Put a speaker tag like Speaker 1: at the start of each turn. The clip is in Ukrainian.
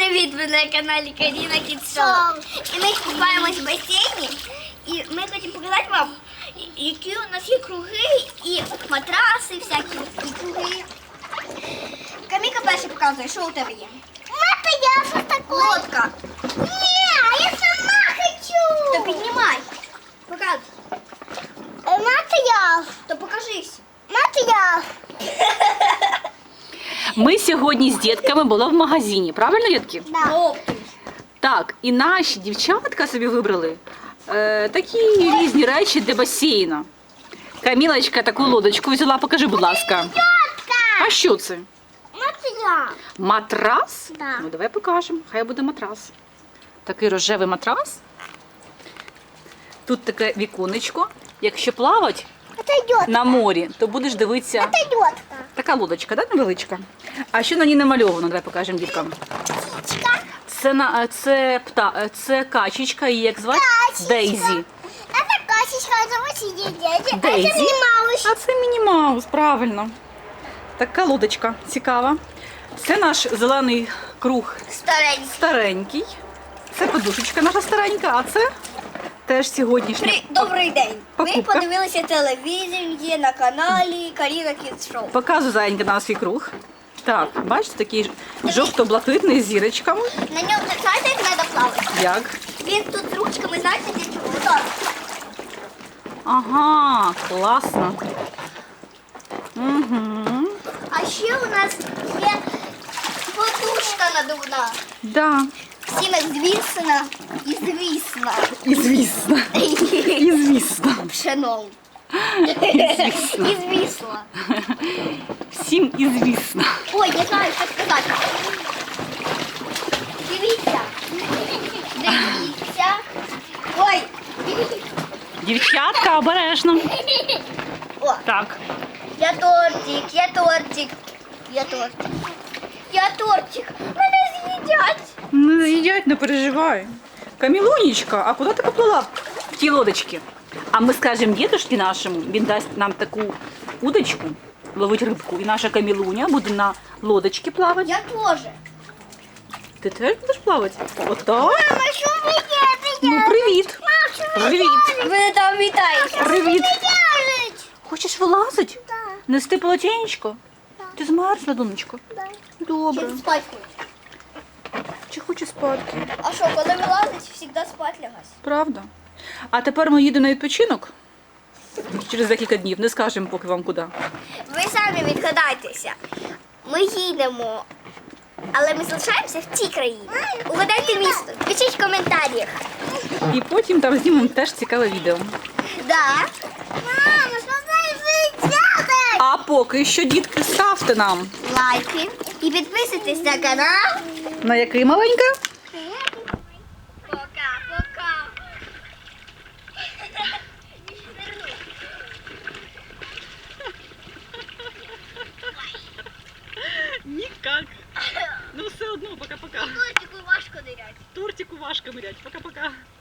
Speaker 1: Привіт, ви на каналі Каріна Kids Show. І ми купаємось в басейні. І ми хочемо показати вам, які у нас є круги і матраси всякі, і круги. Каміка перше показує, що у тебе є.
Speaker 2: Мата, я что такое?
Speaker 1: Лодка.
Speaker 2: Не, я сама хочу.
Speaker 1: То піднімай. Показуй.
Speaker 2: Мата, я.
Speaker 1: То покажись.
Speaker 2: Мата, я.
Speaker 3: Ми сьогодні з дітками були в магазині, правильно, дітки?
Speaker 2: Да.
Speaker 1: Лодки.
Speaker 3: Так, і наші дівчатка собі вибрали такі різні речі для басейну. Камілочка таку лодочку взяла, покажи, будь ласка. А що це?
Speaker 2: Мата, я.
Speaker 3: Матрас?
Speaker 2: Да.
Speaker 3: Ну, давай покажемо, хай буде матрас. Такий рожевий матрас. Тут таке віконечко. Якщо плавати
Speaker 2: Это идет.
Speaker 3: на морі, то будеш дивитися.
Speaker 2: Это идет.
Speaker 3: Така лодочка, да, невеличка? А що на ній намальовано? Давай покажемо діткам.
Speaker 2: Птичка.
Speaker 3: Це качечка, її як звати?
Speaker 2: Качечка.
Speaker 3: Дейзі.
Speaker 2: Это кашечка, это вот дядя.
Speaker 3: Дейзі.
Speaker 2: Это Мималыш.
Speaker 3: А це Міні Маус, правильно. Така лодочка цікава. Це наш зелений круг
Speaker 1: Старенький.
Speaker 3: старенький. Це подушечка наша старенька, а це теж сьогоднішня.
Speaker 1: Добрий день. Ми
Speaker 3: Покупка.
Speaker 1: подивилися телевізор на каналі Каріна Kids Show.
Speaker 3: Показую зайнька на свій круг. Так, бачите, такий жовто-блакитний з зірочками.
Speaker 1: На ньому, знаєте, як треба плавати?
Speaker 3: Як?
Speaker 1: Він тут з ручками, знаєте, для чого? Отак.
Speaker 3: Ага, класно. Угу.
Speaker 1: А ще у нас є подушка надувна.
Speaker 3: Да.
Speaker 1: Всім як звісно і звісно.
Speaker 3: І звісно. І звісно.
Speaker 1: Пшеном.
Speaker 3: І звісно.
Speaker 1: І звісно.
Speaker 3: Всім і звісно.
Speaker 1: Ой, я знаю, що сказати. Дивіться. Дивіться. Ой.
Speaker 3: Дівчатка, обережно.
Speaker 1: О,
Speaker 3: Так.
Speaker 1: я тортик, я тортик. Я тортик. Я тортик. Мене з'їдять.
Speaker 3: Не з'їдять, не переживай. Камілунечка, а куди ти поплила в ті лодочки? А ми скажемо дідушці нашому, він дасть нам таку удочку, ловить рибку, і наша Камілуня буде на лодочці плавати.
Speaker 1: Я теж.
Speaker 3: Ти теж будеш плавати? Отак?
Speaker 2: Мама, что вы делаете?
Speaker 3: Ну, привіт. Привіт.
Speaker 1: Ви там вітаєте.
Speaker 3: Привіт.
Speaker 2: Делать?
Speaker 3: Хочеш вилазити?
Speaker 2: Да.
Speaker 3: Нести полотенечко? Ти змерзла, донечко?
Speaker 2: Да.
Speaker 3: Добре.
Speaker 1: Чи спать хочеш?
Speaker 3: Чи хочеш спати?
Speaker 1: А що, коли вилазить, завжди спать лягась.
Speaker 3: Правда. А тепер ми їдемо на відпочинок. Через декілька днів. Не скажемо поки вам куди.
Speaker 1: Ви самі відгадайтеся. Ми їдемо, але ми залишаємося в цій країні. Угадайте місто, пишіть в коментарях.
Speaker 3: І потім там знімемо теж цікаве відео.
Speaker 1: Да.
Speaker 2: Мама, что вы делаете?
Speaker 3: А поки що, дітки, ставте нам.
Speaker 1: Лайки і підписуйтесь на канал.
Speaker 3: На який маленька?
Speaker 1: Пока-пока.
Speaker 3: Нікак. Ну все одно, пока-пока.
Speaker 1: Тортику важко нырять.
Speaker 3: Тортику важко мирять. Пока-пока.